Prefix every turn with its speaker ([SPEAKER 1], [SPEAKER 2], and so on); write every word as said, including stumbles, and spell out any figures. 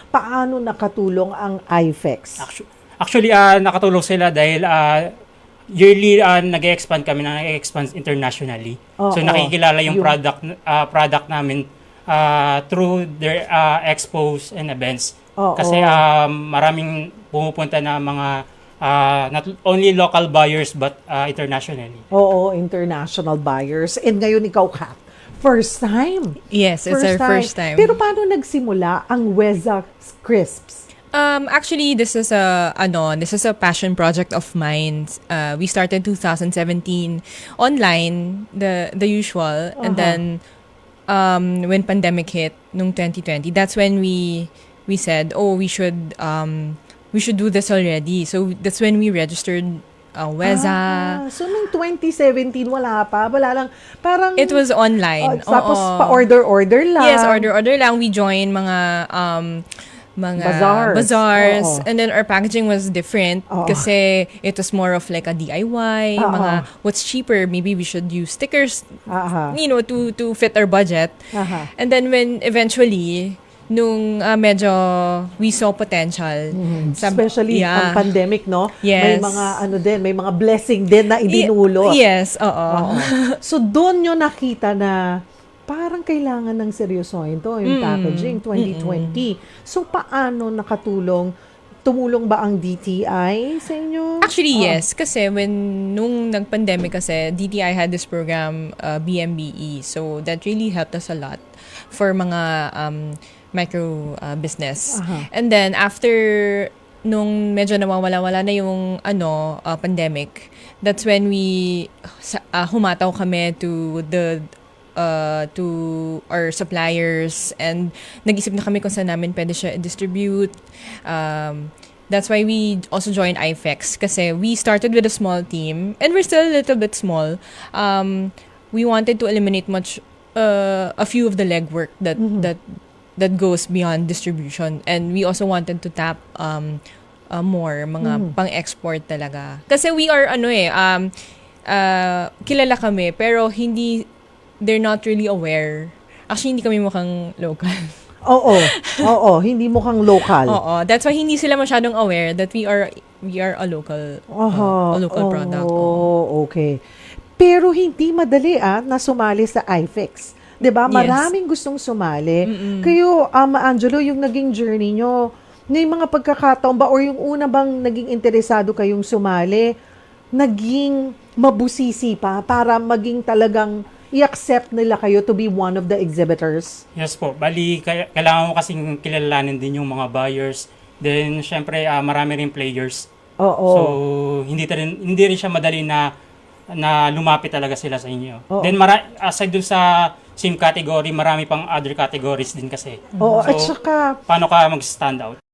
[SPEAKER 1] paano nakatulong ang I F E X?
[SPEAKER 2] Actu- Actually, uh, nakatulong sila dahil uh, yearly uh, nag-expand kami na nag-expand internationally.
[SPEAKER 1] Oo,
[SPEAKER 2] so nakikilala yung,
[SPEAKER 1] yung-
[SPEAKER 2] product uh, product namin uh, through their uh, expos and events.
[SPEAKER 1] Oo.
[SPEAKER 2] Kasi um, maraming pumupunta na mga uh, not only local buyers but uh, internationally.
[SPEAKER 1] Oo, international buyers. And ngayon ikaw, Kat, first time.
[SPEAKER 3] Yes, it's our first time.
[SPEAKER 1] Pero paano nagsimula ang Weza Crisps?
[SPEAKER 3] Um, actually, this is a ano, this is a passion project of mine. Uh, we started two thousand seventeen online, the the usual,
[SPEAKER 1] Uh-huh.
[SPEAKER 3] and then um, when pandemic hit, nung twenty twenty, that's when we we said, oh, we should um, we should do this already. So that's when we registered uh, Weza.
[SPEAKER 1] Ah, so, nung twenty seventeen, wala pa? Wala lang. Parang...
[SPEAKER 3] It was online.
[SPEAKER 1] Oh, tapos
[SPEAKER 3] Oo.
[SPEAKER 1] pa-order-order lang.
[SPEAKER 3] Yes, order-order lang. We joined mga um, mga
[SPEAKER 1] Bazaars.
[SPEAKER 3] bazaars.
[SPEAKER 1] Oo.
[SPEAKER 3] And then our packaging was different
[SPEAKER 1] Oo.
[SPEAKER 3] kasi it was more of like a D I Y.
[SPEAKER 1] Oo.
[SPEAKER 3] Mga what's cheaper, maybe we should use stickers,
[SPEAKER 1] Aha.
[SPEAKER 3] you know, to to fit our budget.
[SPEAKER 1] Aha.
[SPEAKER 3] And then when eventually, nung uh, medyo we saw potential. sab-
[SPEAKER 1] Especially ang
[SPEAKER 3] yeah.
[SPEAKER 1] pandemic, no? May
[SPEAKER 3] Yes.
[SPEAKER 1] mga ano din, may mga blessing din na idinulot.
[SPEAKER 3] Y- yes, oo.
[SPEAKER 1] Oo. So, doon nyo nakita na parang kailangan ng seryosohin to, yung
[SPEAKER 3] Mm.
[SPEAKER 1] packaging, twenty twenty. So, paano nakatulong? Tumulong ba ang D T I sa inyo? Oo.
[SPEAKER 3] Actually, yes. Kasi when, nung nag-pandemic kasi, D T I had this program, uh, B M B E. So, that really helped us a lot for mga um, micro uh, business.
[SPEAKER 1] Aha.
[SPEAKER 3] And then, after nung medyo nawawala-wala na yung ano, uh, pandemic, that's when we sa- uh, humataw kami to the uh, to our suppliers and nag-isip na kami kung saan namin pwede siya distribute. Um, that's why we also joined I F E X kasi we started with a small team and we're still a little bit small. Um, we wanted to eliminate much uh, a few of the legwork that that that goes beyond distribution, and we also wanted to tap um uh, more mga pang-export talaga kasi we are ano eh um uh, kilala kami pero hindi, they're not really aware. Actually, hindi kami mukhang local.
[SPEAKER 1] Oo. Oo. Hindi mukhang local.
[SPEAKER 3] Oo, that's why hindi sila masyadong aware that we are we are a local
[SPEAKER 1] Aha.
[SPEAKER 3] uh, a local product. Oo.
[SPEAKER 1] Oh, okay. Pero hindi madali ah, na sumali sa I F E X. 'Di ba?
[SPEAKER 3] Yes.
[SPEAKER 1] Maraming gustong sumali. Kayo, Ama Angelo, yung naging journey nyo, may mga pagkakataon ba or yung una bang naging interesado kayong sumali, naging mabusisi pa para maging talagang i-accept nila kayo to be one of the exhibitors?
[SPEAKER 2] Yes po. Bali, kaya- kailangan mo kasing kilalanin din yung mga buyers. Then, syempre, ah, marami rin players.
[SPEAKER 1] Oo.
[SPEAKER 2] So, hindi, ta rin, hindi rin siya madali na na lumapit talaga sila sa inyo.
[SPEAKER 1] Oo.
[SPEAKER 2] Then, mara- aside dun sa same category, marami pang other categories din kasi.
[SPEAKER 1] Oo,
[SPEAKER 2] So,
[SPEAKER 1] at saka
[SPEAKER 2] paano ka mag-stand out?